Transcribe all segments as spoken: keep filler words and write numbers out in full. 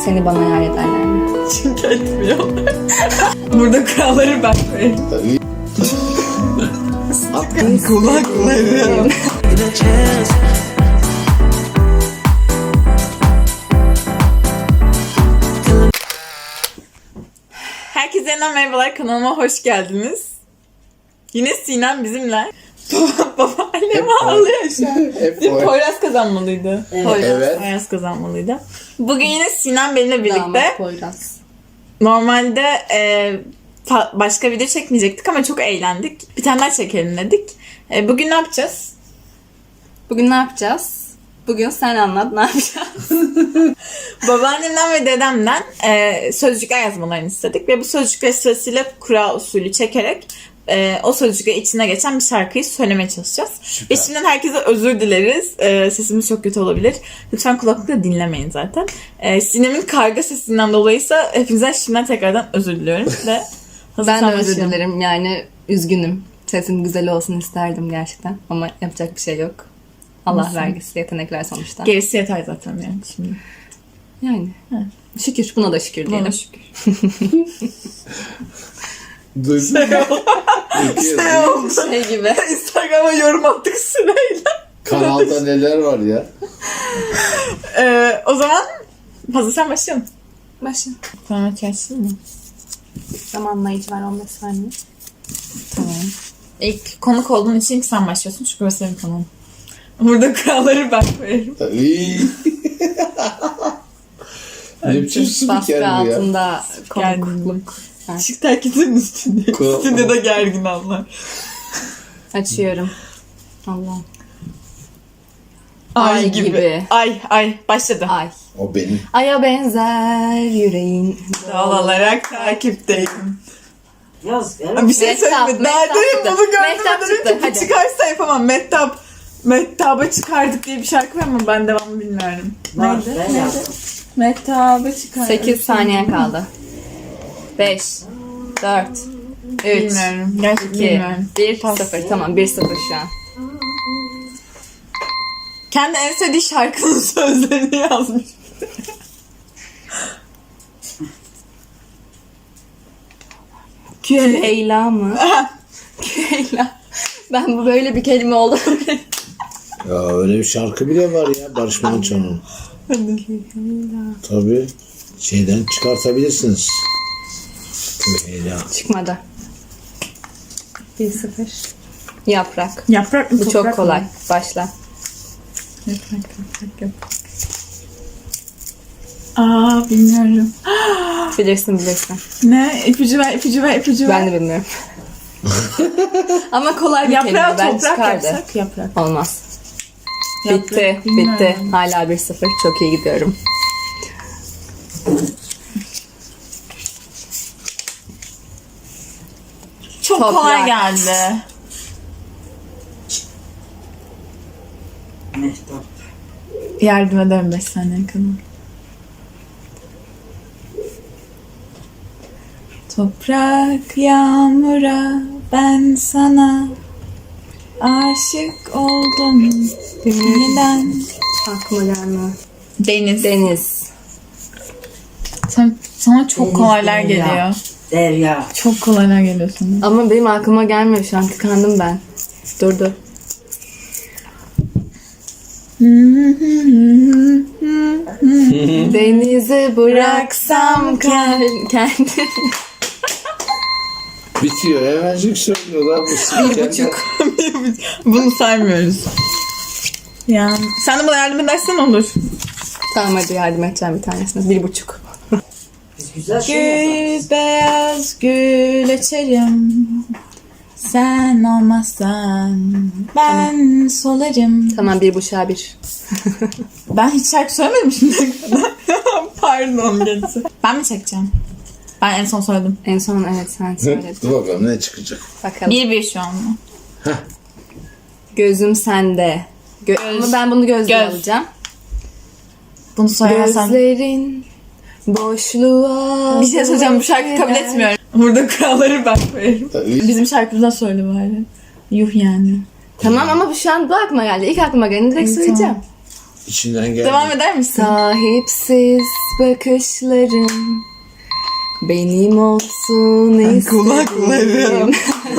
seni bana yar ederler mi? Çünkü etmiyorlar. Burada kuralları ben koyarım. Tabii. Kulakları. Herkese yeniden merhabalar, kanalıma hoş geldiniz. Yine Sinem bizimle. Babaannem ağlıyor şu an. Hep Dün o. Poyraz kazanmalıydı. Evet. Poyraz, Evet. Poyraz kazanmalıydı. Bugün yine Sinem benimle birlikte. Damat Poyraz. Normalde e, fa- başka video çekmeyecektik ama çok eğlendik. Bir tane daha çekelim dedik. E, bugün ne yapacağız? Bugün ne yapacağız? Bugün sen anlat, ne yapacağız? Babaannemden ve dedemden e, sözcükler yazmalarını istedik. Ve bu sözcükler sırasıyla kura usulü çekerek e, o sözcükler içine geçen bir şarkıyı söylemeye çalışacağız. Süper. Ve şimdiden herkese özür dileriz. E, sesimiz çok kötü olabilir. Lütfen kulaklıkla dinlemeyin zaten. E, Sinem'in karga sesinden dolayıysa hepinizden şimdiden tekrardan özür diliyorum. Ve Ben de hazırsan özür başlayalım. dilerim, yani üzgünüm. Sesim güzel olsun isterdim gerçekten ama yapacak bir şey yok. Allah Nasıl? vergisi, yetenekler sonuçta. Gerisi yeter zaten yani şimdi. Yani şükür, buna da şükür diyelim. Buna şükür. Duydun mu? Şey oldu. Şey gibi. Instagram'a yorum attık sırayla. Kanalda neler var ya? Ee, o zaman hazırsan başlayalım. Başla. Tamam, açarsın mı? Zamanlayıcı var on beş saniye. Tamam. İlk konuk olduğun için ilk sen başlıyorsun çünkü burası benim kanalım. Burada kuralları ben koyarım. Tabii. Ne biçim spiker Baskı bu ya? altında Gerginlik. konukluk. Evet. Çık herkesin üstünde. Kural- Üstünde de gergin anlar. Açıyorum. Allah. Ay, Ay gibi. gibi. Ay ay başladı. Ay. O benim. Aya benzer yüreğin. Doğal olarak takipteyim. Yaz. Bir şey Mehtap, söyleyeyim mi? Daha Mehtap demin çıktı. bunu Mehtap görmeden çıktı, önce bir hadi. çıkarsa yapamam. Mehtap. Mehtap'a çıkardık diye bir şarkı var ama ben devamını bilmiyorum. Var, Neydi? ben Neydi? yazdım. Mehtap'a çıkardık. sekiz saniye kaldı. beş, dört, üç, Bilmiyorum. Gerçekten iki, bilmiyorum. bir, Pas. sıfır. Tamam, bir sıfır şu an. Kendi en sevdiği şarkının sözlerini yazmış. Küre. Leyla mı? Leyla. Ben bu böyle bir kelime oldu. Ya öyle bir şarkı bile var ya Barış Manço'nun. Tabii. Şeyden çıkartabilirsiniz. Leyla. Çıkmadı. bir sıfır. Yaprak. Yaprak mı? Bu çok toprak kolay. mı? Başla. Yaprak, yaprak, yaprak. Aa, bilmiyorum. Bilirsin bilirsin. Ne? İpucu ver, ipucu ver, ipucu ver. Ben de bilmiyorum. Ama kolay bir kelime. Yaprağı Ben toprak çıkardı. yapsak yaprak. Olmaz. Yaprak, Bitti. bilmiyorum. Bitti. Hala bir sıfır. Çok iyi gidiyorum. Çok Toprak. kolay geldi. Mehtap. Yardım ederim beş saniye kadar. Toprak yağmura ben sana aşık oldum yeniden. Aklıma gelmiyor. Deniz. Deniz. Sen, sana çok Deniz, kolaylar derya. geliyor. Derya. Çok kolaylar geliyor sana. Ama benim aklıma gelmiyor şu an. Tıkandım ben. Durdu. Denize bıraksam kend- kendi. Bitiyor. Hemencik söylüyorlar. Bu spiker. buçuk. Bunu saymıyoruz. Ya sen de bana yardım edersen olur. Tamam hadi yardım edeceğim bir tanesine. Bir buçuk. Biz güzel şey yazarız. Gül beyaz gül açarım. Sen olmazsan ben solarım. Tamam bir buçuğa bir. Ben hiç şarkı söylemedim şimdiye kadar. Pardon geçti. Ben mi çekeceğim? Ben en son söyledim. En son evet sen söyledin. Dur bakalım ne çıkacak. Bakalım. Bir bir şu an mı? Gözüm sende. Gö- Ama ben bunu gözle Göz. alacağım. Bunu söylemezsen. Gözlerin boşluğa. Bir şey söyleyeceğim, bu şarkıyı kabul gider. etmiyorum. Burada kuralları ben koyarım. Tabii. Bizim şarkımızdan söyle bari. Yuh yani. Tamam ama bu şu an bu aklıma geldi. İlk aklıma geldi direkt İyi, söyleyeceğim. içinden geldi. Devam eder misin? Sahipsiz bakışlarım benim olsun istedim. Kulaklarım.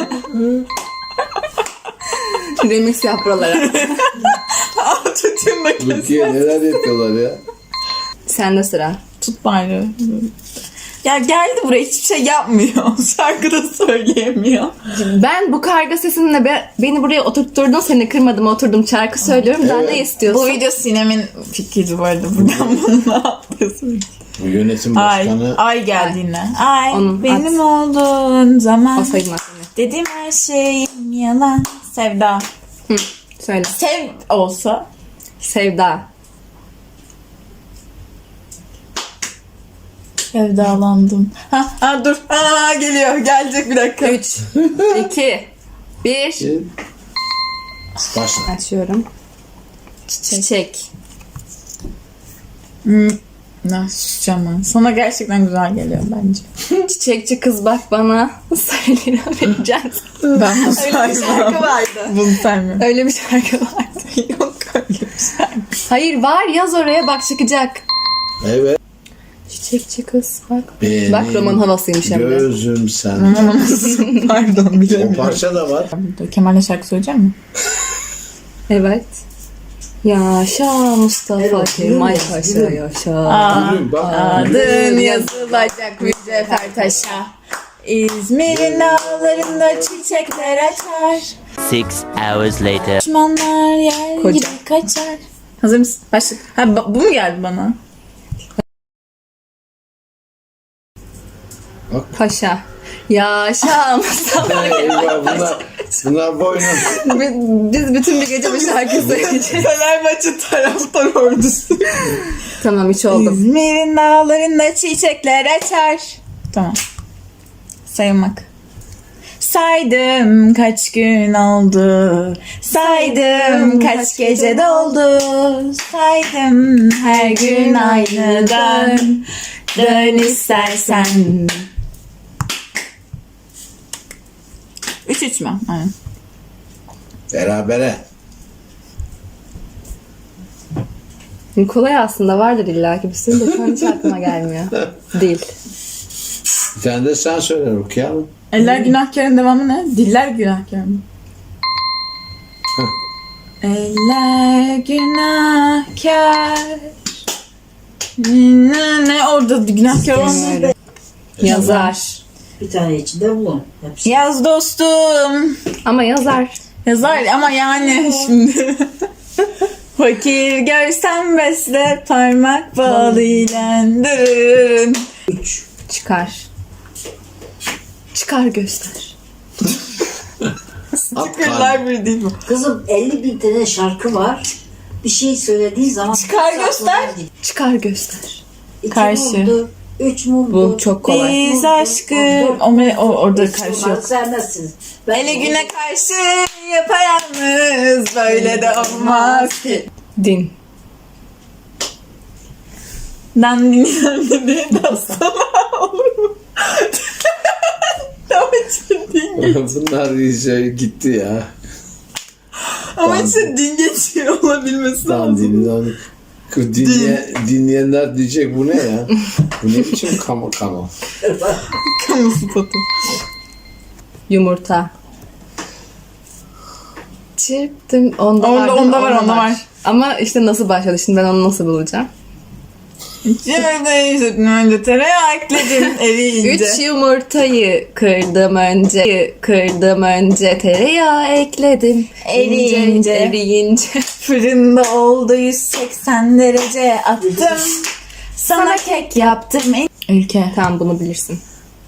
Remix yap buralara. Tutayım bakayım. Rukiye neler yapıyorlar ya. Sende sıra. Tut bari. Ya geldi buraya hiçbir şey yapmıyor. Şarkıda söyleyemiyor. Ben bu karga sesinle be, beni buraya oturtturdun, seni kırmadım, oturdum, şarkı söylüyorum. Daha Evet. ne istiyorsun? Bu video Sinem'in fikri bu arada. Buradan bunu ne yapıyorsun? Bu yönetim Ay, başkanı ay geldi yine. Ay Onun benim olduğun zaman O sayılmaz seni. dedim her şeyim yalan. Sevda. Hı, söyle. Sev olsa. Sevda. Sevdalandım. Ha, ha dur. Ha geliyor. Gelecek bir dakika. üç, iki, bir. başla. Açıyorum. Çiçek. Hmm. Ne susacağım ben. Sana gerçekten güzel geliyor bence. Çiçekçi kız bak bana. Sayı lira vereceğim. Ben bunu Öyle bir şarkı vardı. Bunu saymıyorum. Öyle bir şarkı vardı. Yok öyle bir şarkı. Hayır var, yaz oraya, bak çıkacak. Evet. Çiçekçi kız bak. Benim Bak roman havasıymış hem de. Gözüm sen. Pardon O bilemiyorum. parça da var. Kemal'le şarkı söyleyecek mi? Evet. Yaşa Mustafa Evet, Kemal evet, Paşa evet. yaşa. Aa, Gülüm, bak. adın yazılacak mücevher taşa. İzmir'in dağlarında çiçekler açar. Six hours later. Düşmanlar yer Koca. gibi kaçar. Hazır mısın? Başla. Ha, ba- bu mu geldi bana? Paşa. Yaşa Mustafa. Eyvah bunlar, bunlar boynum. Biz bütün bir gece bir şarkı söyleyeceğiz. Fenerbahçe taraftar ordusu. Tamam, hiç oldum. İzmir'in dağlarında çiçekler açar. Tamam. Sayılmak. Saydım kaç gün oldu. Saydım kaç gece doldu. Saydım her gün aynı dön. Dön istersen. Üç üç mü? Aynen. Berabere. Kolay aslında, vardır illaki bir sürü de şu an hiç aklıma gelmiyor. Değil. Bir tane de sen söyle Rukiye Hanım. Eller günahkarın devamı ne? Diller günahkar mı? Eller günahkar. Ne, ne orada günahkar olmadı. Yazar. Bir tane içinde bulun. Hepsi. Yaz dostum. Ama yazar. Yazar ama yani şimdi. Fakir görsem besle parmak balıyla dırırın. Üç. Çıkar. Çıkar göster. At Çıkırlar bir değil mi? Kızım elli bin tane şarkı var. Bir şey söylediğin zaman... Çıkar hepsi göster. aklına gidiyor. Çıkar göster. İki Karşı. mumdur, üç mumdur. Bu çok kolay. Biz aşkı. O, me- o orada Hiç karşı bunları yok. sevmezsiniz. Ben Ele güne karşı yapayalnız böyle de olmaz ki. Din. Dandini dedi dostum olur mu? Ama işte din geçiyor. Bunlar iyice gitti ya. Ama işte din geçiyor olabilmesi Tam lazım. dinlen. Dinleyen, dinleyenler diyecek bu ne ya? Bu ne biçim kamu kamu? Kamu spotu. Yumurta. Çırptım. Onda, Onda- var, değil mi? onda var, onda var. Ama işte nasıl başladı? Şimdi ben onu nasıl bulacağım? Şimdi işte önce tereyağı ekledim eriyince. Üç yumurtayı kırdım önce. Kırdım önce. Tereyağı ekledim. Eriyince. İnce, eriyince. Fırında oldu yüz seksen derece attım. Sana kek yaptım. Ülke. Tamam, bunu bilirsin.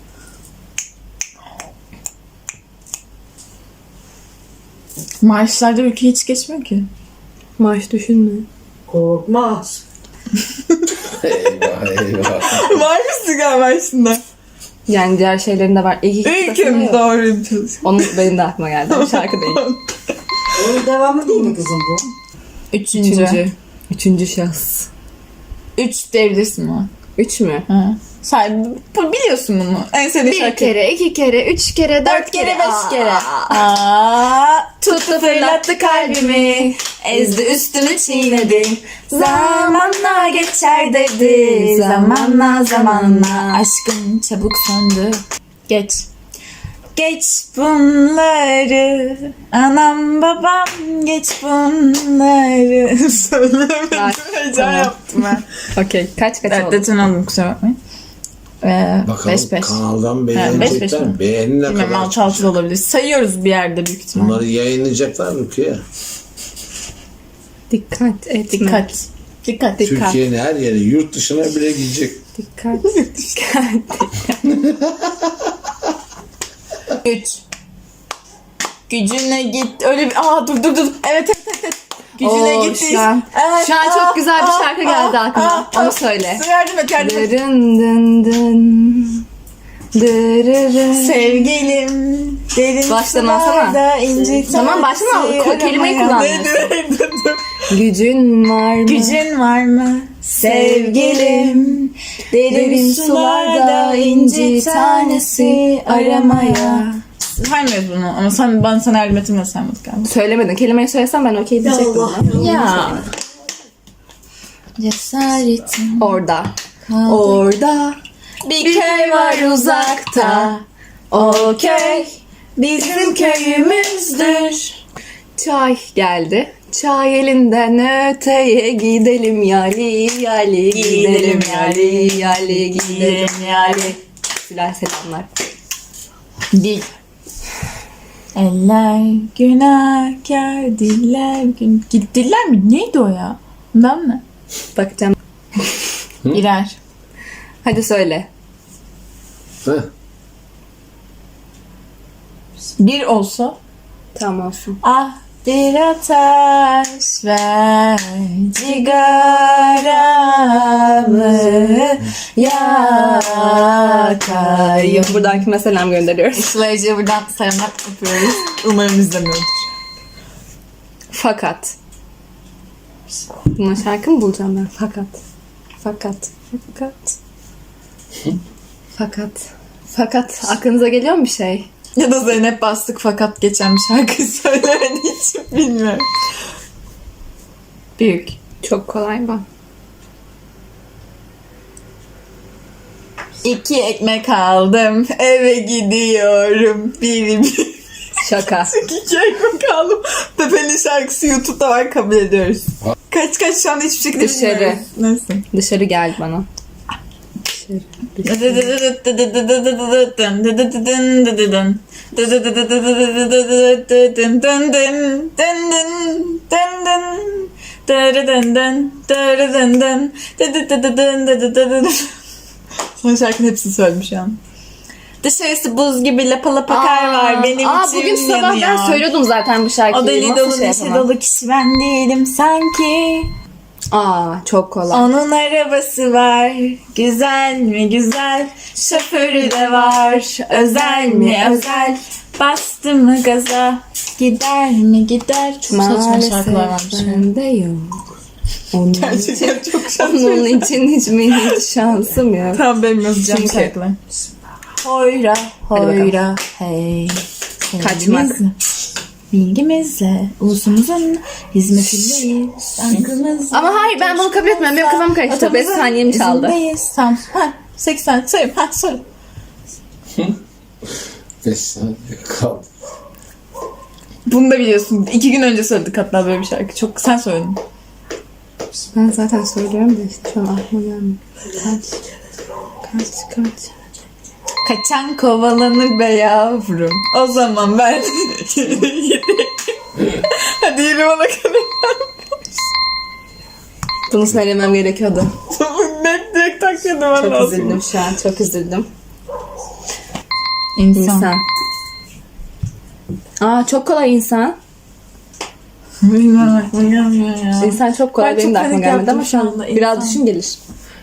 Marşlarda ülke hiç geçmiyor ki. Marş düşünme. Korkmaz. Eyvah eyvah. Var mısın galiba şimdi? Yani diğer şeylerin de var. İyi ki Ülkem yok. doğru çalışıyor. Onun benim de aklıma geldi. Ama şarkı değil. Onun devamı değil mi kızım bu? Üçüncü. Üçüncü. Üçüncü şahıs. Üç diyebilirsin o. Üç mü? Ha. Sen bu- biliyorsun bunu. En sevdiğin Bir şarkı. kere, iki kere, üç kere, dört, Dört kere, beş Aa. kere. Aa, tuttu Fırlattı fırlattı kalbimi, ezdi üstümü çiğnedi. Zamanla geçer dedi, zamanla zamanla. Aşkım çabuk söndü. Geç. Geç bunları. Anam babam geç bunları. Söylemedim. Ay, Heyecan tamam. yaptım ben. Okey, kaç kaç Evet, oldu? deton oldum, kusura bakmayın. Ee, Bakalım beş beş. kanaldan beş beş beğenecekler mi? mi? Beğenine Bilmem, kadar. altı altı da olabilir. Sayıyoruz bir yerde büyük ihtimal. Bunları yayınlayacaklar mı ki? Dikkat etme. Dikkat. Dikkat. Dikkat. Türkiye'nin her yeri, yurt dışına bile gidecek. Dikkat. Dikkat. Güç. Gücüne git. Öyle bir... Aa dur dur dur. Evet evet evet. evet. Gücüne Oo, git. şu an- Evet. şu an çok Aa, güzel bir aa, şarkı aa, geldi aklıma. aa, Onu aa. söyle. Yardım et yardım et. Dırın dın dın. Dırırın. Sevgilim derin Başlamasana. sularda inci Tamam, başlama. tanesi Ku- kelimeyi aramaya. kullanmıyorsun. Dur, dur, dur. Gücün var mı? Gücün var mı sevgilim? Derin, Derin sularda inci tanesi aramaya. Saymıyoruz bunu ama sen, ben sana yardım ettim de saymadık galiba. Söylemedin. Kelimeyi söylesem ben okey diyecektim. Allah ama. Ya. Cesaretim. Orada. Orada. Bir köy var uzakta. O köy bizim köyümüzdür. Çay geldi. Çay elinden öteye gidelim yali yali gidelim yali yali gidelim yali. Güzel selamlar. Dil. Eller günahkar, diller gün... Diller mi? Neydi o ya? Ben mi? Bakacağım. İrer. Hadi söyle. Heh. Bir olsa. Tamam olsun. Ah bir ateş ver cigaramı yakayım. Buradan kime selam gönderiyoruz? Sıla'ya buradan selamlar yapıyoruz. Umarım izlemiyordur. Fakat. Buna şarkı mı bulacağım ben? Fakat. Fakat. Fakat. Fakat. Fakat. Aklınıza geliyor mu bir şey? Ya da Zeynep Bastık fakat geçen bir şarkı söylemediği için bilmiyorum. Büyük. Çok kolay bu. İki ekmek aldım eve gidiyorum. Bir bir. Şaka. İki ekmek aldım. Pepe'nin şarkısı YouTube'da var, kabul ediyoruz. Kaç kaç şu anda hiçbir şekilde Dışarı. bilmiyoruz. Nasıl? Dışarı geldi bana. Dışarı. Son şarkının hepsini söyledim şu an. Dışarısı buz gibi lapa lapa kar var benim aa, içim bugün sabah ben yanıyor. söylüyordum zaten bu şarkıyı. O deli Nasıl dolu şey neşe yapamam? dolu kişi ben değilim sanki. Aa, çok kolay. Onun arabası var, güzel mi güzel, şoförü de var, özel mi özel, bastı mı gaza, gider mi gider. Çok saçma şarkılar varmış. bende yok. Onun için, Gerçekten çok şarkı. onun için hiç mi hiç şansım yok. Tamam, benim yazacağım Çünkü- şarkılar. Hoyra, hoyra, hey. Kaçmak. Sevgimizle, bilgimizle, ulusumuzun hizmetindeyiz. Aklımızla. Ama hayır, ben bunu kabul etmem. Benim kafam karıştı. beş saniyemi çaldı. İzindeyiz. Tamam. Ha, sekiz saniye sayayım. Ha, söyle. Beş saniye kaldı. Bunu da biliyorsun. İki gün önce söyledik hatta böyle bir şarkı. Çok sen söyledin. Ben zaten söylüyorum da işte şu an aklıma gelmiyor. Kaç. Kaç kaç. Kaçan kovalanır be yavrum. O zaman ben... Hadi yürü bana kadar. Bunu söylemem gerekiyordu. Direkt direkt tak yedim ben Çok lazım. üzüldüm şu an. Çok üzüldüm. İnsan. İnsan. Aa, çok kolay insan. Bilmiyorum aklıma gelmiyor ya. İnsan çok kolay. Ben Benim çok de aklıma panik gelmedi yaptım ama şu şu an anda. biraz İnsan. düşün gelir.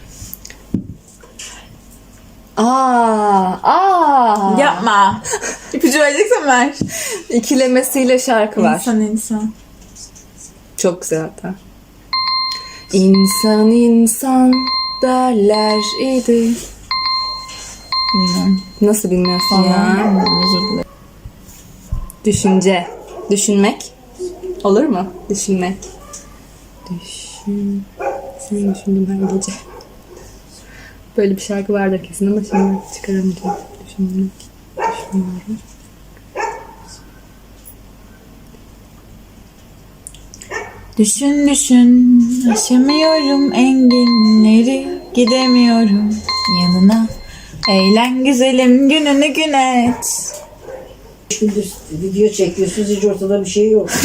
Aa, aa. Yapma. İpucu vereceksen ver. İkilemesiyle şarkı var. İnsan insan. Çok güzel hatta. İnsan insan derler idi. Bilmiyorum. Nasıl bilmiyorsun ya? Vallahi bilmiyorum, özür dilerim. Düşünce. Düşünmek. Olur mu? Düşünmek. Düşün. Sen düşündüm her gece. Böyle bir şarkı vardır kesin ama şimdi çıkaramayacağım. Düşünmek. Düşünüyorum. Düşün düşün, aşamıyorum enginleri, gidemiyorum yanına. Eğlen güzelim, gününü gün et. Gündüz video çekiyorsunuz, hiç ortada bir şey yok.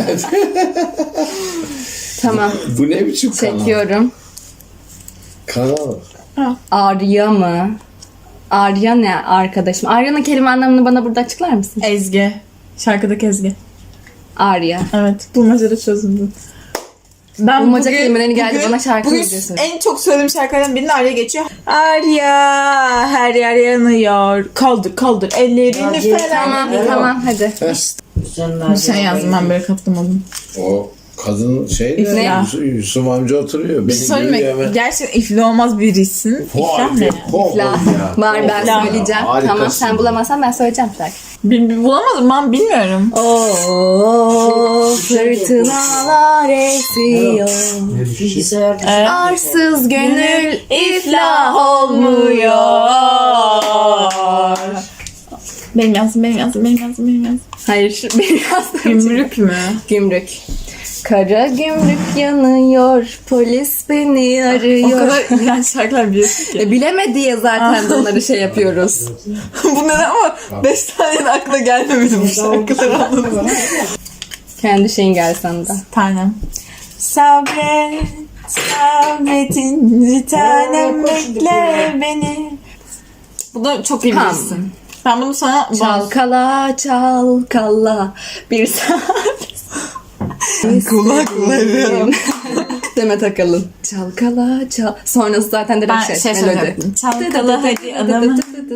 Tamam. Bu ne biçim kanal? Çekiyorum. Kanal. Arya mı? Arya ne arkadaşım? Arya'nın kelime anlamını bana burada açıklar mısın? Ezgi. Şarkıdaki Ezgi. Arya. Evet. Bulmacada çözüldü. Ben Bulmaca kelimelerini geldi bana şarkı bugün videosu. en çok söylediğim şarkılardan birinin Arya geçiyor. Arya her yer yanıyor. Kaldır kaldır ellerini Arya, falan. Tamam Evet. tamam hadi. Sen, Sen yazdın, ben böyle katılmadım. O kadın şey de İflah. Yusuf, Yusuf amca oturuyor. Bir Beni şey söyleyeyim görüyor mi? hemen. Gerçekten ifli olmaz birisin. İflah ne? İflah. Var ben İflah. söyleyeceğim. Harikasın. Tamam sen bulamazsan ben söyleyeceğim şarkı. Bil, bil- bulamadım ben bilmiyorum. Oo fırtınalar esiyor. Bilgisayar Evet. Arsız gönül iflah olmuyor. Benim yazdım, benim yazdım, benim yazdım, benim yazdım. Hayır şu benim yazdığım Gümrük mü? Gümrük. Kara gümrük yanıyor, polis beni O arıyor. kadar iğrenç şarkılar biliyorsun ki. E, bilemedi ya zaten bunları şey yapıyoruz. Bunları ama beş tane de aklına gelmemedi bu şarkılar, anladın mı? Kendi şeyin gel sana da. Tanem. Sabret, sabretin bir tanem bekle beni. Bunu çok iyi Tamam. bilirsin. Ben bunu sana... Çalkala çalkala bir saat. Kulaklarım. Demet Akalın. Çalkala çal. Sonrası zaten direkt Ben şey, şey melodi. söyleyecektim. Çalkala hadi adamı.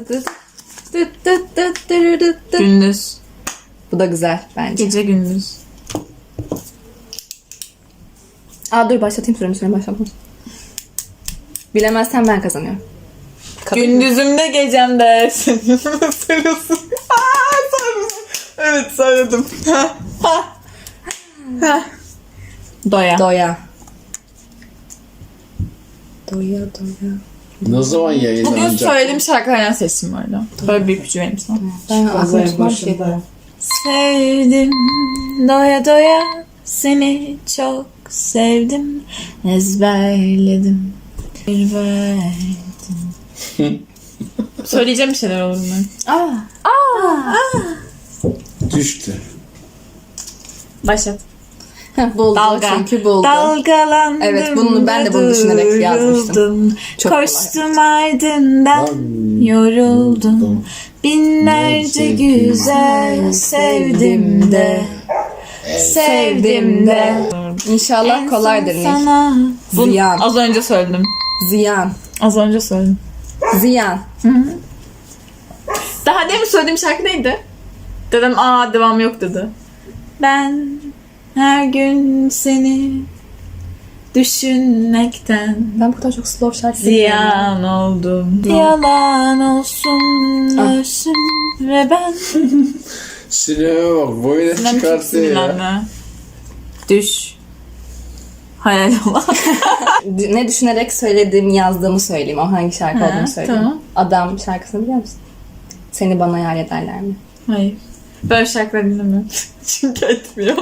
Gündüz. Bu da güzel bence. Gece gündüz. Aa dur başlatayım süremi süremi başlatmam. Bilemezsen ben kazanıyorum. Kabul mü? Gündüzümde gecemde senin sarılsın. Aa, sarılsın. Evet söyledim. Ha, ha. Ha. Doya. Doya. Doya doya. Ne zaman Bugün yayınlanacak? söylediğim şarkılardan seçtim bu arada. Böyle bir ipucu vereyim sana. Ben Pazar aklıma bir şey. başında. Sevdim doya doya seni çok sevdim, ezberledim bir verdim. Söyleyeceğim bir şeyler olur mu? Aa. Düştü. Başlat. Buldu Dalga. çünkü buldu. Dalgalandım. Evet, bunu ben de bunu düşünerek yazmıştım. duruldum. Çok Koştum ardından yoruldum. Binlerce güzel sevdim de. Sevdim de. İnşallah En kolaydır son Nil. sana. Bunu Ziyan. az önce söyledim. Ziyan. Az önce söyledim. Ziyan. Daha demin söylediğim şarkı neydi? Dedim aa devam yok dedi. Ben her gün seni düşünmekten Ben bu kadar çok slow şarkı dinliyorum. ziyan oldum. Yalan olsun ölsün ve ben Sineme bak boyuna Sinem çok çıkarttı ya. sinirlendi. Düş. Hayal olan. Ne düşünerek söylediğimi yazdığımı söyleyeyim. O hangi şarkı Ha, olduğunu söyleyeyim. tamam. Adam şarkısını biliyor musun? Seni bana yar ederler mi? Hayır. Böyle şarkılar dinlemiyorum. Çünkü etmiyor.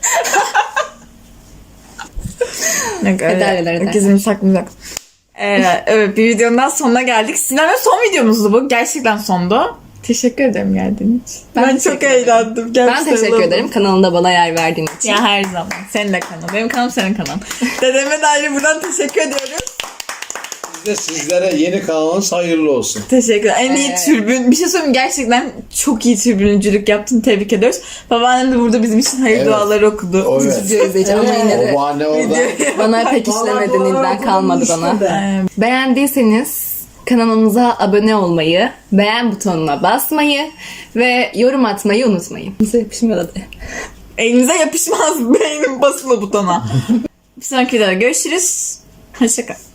Yok öyle. Ederler, ederler. Gizimi saklayacak. Ee, evet bir videonun daha sonuna geldik. Sinem'in son videomuzdu bu. Gerçekten sondu. Teşekkür ederim geldiğin için. Ben Ben, teşekkür çok ederim. eğlendim. Ben Gerçekten teşekkür oldum. ederim kanalında bana yer verdiğin için. Ya her zaman. Senin de kanal. Benim kanalım senin kanalın. Dedeme de ayrı buradan teşekkür ediyoruz. Biz de sizlere yeni kanalınız hayırlı olsun. Teşekkürler. En iyi Evet. türbün. Bir şey söyleyeyim mi? Gerçekten çok iyi türbüncülük yaptın. Tebrik ediyoruz. Babaannem de burada bizim için hayır Evet. duaları okudu. O evet. Video izleyeceğim ama yine de O bahane orada. bana pek işlemedi. Nil'den kalmadı bana. Ee, Beğendiyseniz kanalımıza abone olmayı, beğen butonuna basmayı ve yorum atmayı unutmayın. Bize yapışmıyor da de. Elinize yapışmaz beynin basılı butona. Bir sonraki videoda görüşürüz. Hoşçakalın.